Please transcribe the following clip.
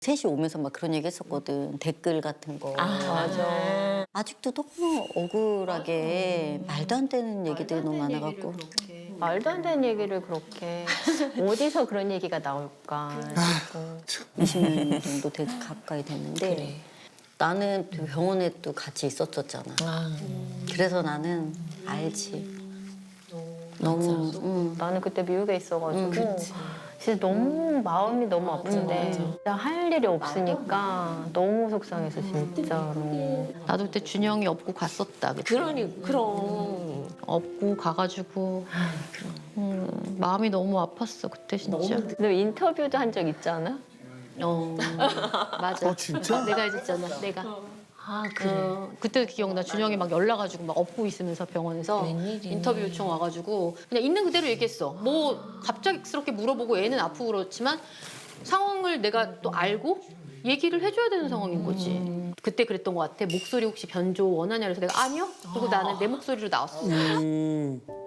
셋이 오면서 막 그런 얘기 했었거든. 댓글 같은 거. 맞아. 아직도 너무 억울하게 말도 안 되는 얘기들이 너무 많아갖고. 말도 안 되는 얘기를 그렇게 어디서 그런 얘기가 나올까 싶고. 20년 정도 가까이 됐는데 나는 또 병원에 또 같이 있었었잖아. 그래서 나는 알지. 너무 나는 그때 미국에 있어가지고 진짜 너무 마음이 너무 아픈데 진짜 할 일이 없으니까 너무 속상해서 진짜로. 나도 그때 준영이 업고 갔었다. 그치? 그럼. 업고 가가지고 마음이 너무 아팠어 그때 진짜. 너 인터뷰도 한 적 있지 않아? 맞아. 진짜? 내가 해줬잖아. 내가. 아 그래. 그때 기억나. 준영이 막 연락 와가지고 막 업고 있으면서 병원에서 인터뷰 요청 와가지고 그냥 있는 그대로 얘기했어. 뭐 갑작스럽게 물어보고 애는 아프고 그렇지만 상황을 내가 또 알고 얘기를 해줘야 되는 상황인 거지. 그때 그랬던 것 같아. 목소리 혹시 변조 원하냐 그래서 내가 아니요. 그리고 나는 내 목소리로 나왔어.